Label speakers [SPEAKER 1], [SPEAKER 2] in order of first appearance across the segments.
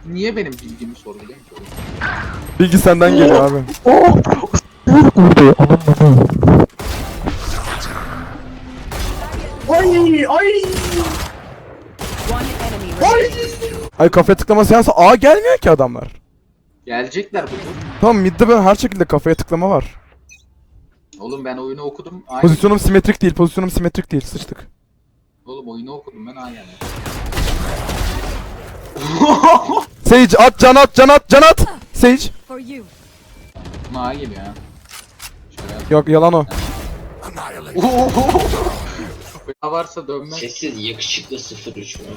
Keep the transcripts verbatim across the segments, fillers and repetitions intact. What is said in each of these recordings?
[SPEAKER 1] niye benim bilgimi sorguluyor ki?
[SPEAKER 2] Bilgi senden geliyor abi.
[SPEAKER 3] Vurdu anam bana.
[SPEAKER 4] Ay ay.
[SPEAKER 2] Ay kafaya tıklama seansı. Aa gelmiyor ki adamlar.
[SPEAKER 1] Gelecekler bu tur.
[SPEAKER 2] Tamam midde ben her şekilde kafaya tıklama var.
[SPEAKER 1] Oğlum ben oyunu okudum. Aynen.
[SPEAKER 2] Pozisyonum simetrik değil. Pozisyonum simetrik değil. Sıçtık.
[SPEAKER 1] Oğlum oyunu okudum ben aynen.
[SPEAKER 2] Sage at can at can at can at. Sage.
[SPEAKER 5] For you.
[SPEAKER 1] Buna geliyor ha. Şöyle yap.
[SPEAKER 2] Yok yalan o.
[SPEAKER 1] Ya varsa dönmez.
[SPEAKER 6] Sessiz yakışıklı sıfır üç mü?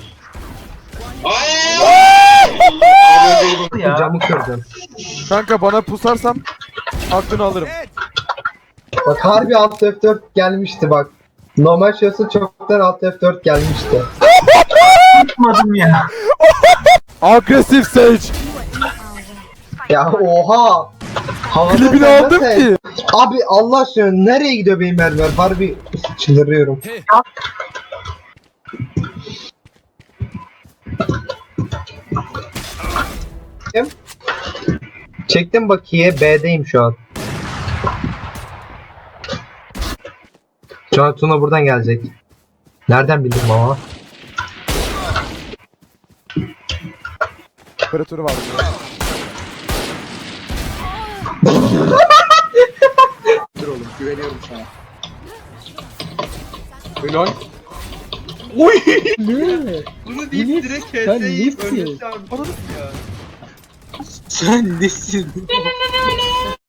[SPEAKER 4] Ya. Camı kırdım.
[SPEAKER 2] Kanka bana pusarsan aklını alırım.
[SPEAKER 4] Bak harbi alt F dört gelmişti bak. Normal şahsı çoktan alt F dört gelmişti. Tutmadım ya.
[SPEAKER 2] Agresif Sage.
[SPEAKER 4] Ya oha. Havada
[SPEAKER 2] Klibini
[SPEAKER 4] sen
[SPEAKER 2] aldım
[SPEAKER 4] nasıl-
[SPEAKER 2] ki.
[SPEAKER 4] Abi Allah aşkına nereye gidiyor benim mermer? Harbi çıldırıyorum. Kim? Çektim bakiye B'deyim şu an. Şu an Tuna buradan gelecek. Nereden bildim ama?
[SPEAKER 2] Operatörü var.
[SPEAKER 1] Dur oğlum güveniyorum sana. Helal. Oy!
[SPEAKER 7] Bunu deyip direkt keseyi ölmesi abi.
[SPEAKER 1] Sen nesin?